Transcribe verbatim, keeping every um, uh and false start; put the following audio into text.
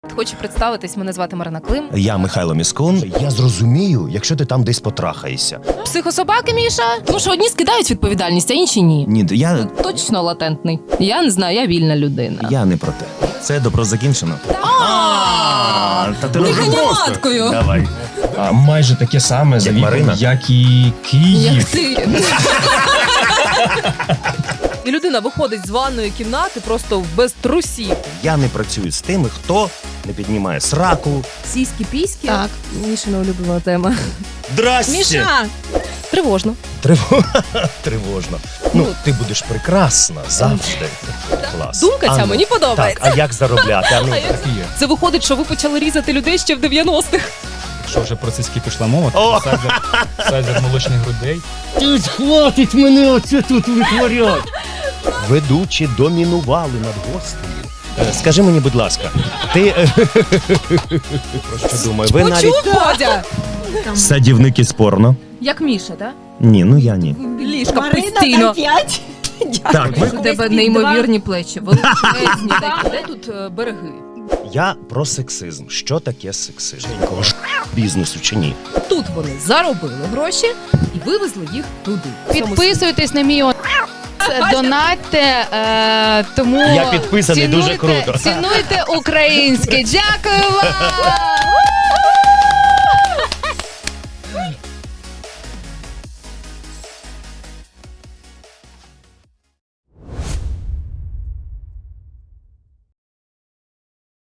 Хочу представитись, мене звати Марина Клим. Я Михайло Міскун. Я зрозумію, якщо ти там десь потрахаєшся. Психособаки, Міша? Тому що одні скидають відповідальність, а інші ні. Ні, я, Точно латентний. Я не знаю, я вільна людина. я не про те. Це добро закінчено. А, та ти Дихання дуже просто. маткою. Давай. А майже таке саме за віком, Марина? як і Київ. Як ти. І людина виходить з ванної кімнати просто без трусів. Я не працюю з тими, хто не піднімає сраку. Сіські-піськи. Так. Мішина улюблена тема. Здрасте! Міша! Тривожно. Триво... Тривожно. Ну, ти будеш прекрасна завжди. Клас. Думка ця А ну, мені подобається. Так, а як заробляти? А ну, Так і є. Це виходить, що ви почали різати людей ще в дев'яностих. Якщо вже про циски пішла мова, О! то сайзер, сайзер молочних грудей. Ти хватить мене оце тут витворять. Ведучі домінували над гостею. Е, Скажи мені, будь ласка, ти... е, Про що думаю? Ви навіть... Почув, Бодя? Садівники спорно. Як Міша, так? Ні, ну я ні. Ліжка постійно. п'ять. Так, ви... У тебе неймовірні плечі, величезні такі. Де тут е, береги? Я про сексизм. Що таке сексизм? Ж бізнесу чи ні? Тут вони заробили гроші і вивезли їх туди. Підписуйтесь на мій он- донатьте, е, тому Я підписаний, дуже цінуйте- круто. Цінуйте українське. Дякую вам!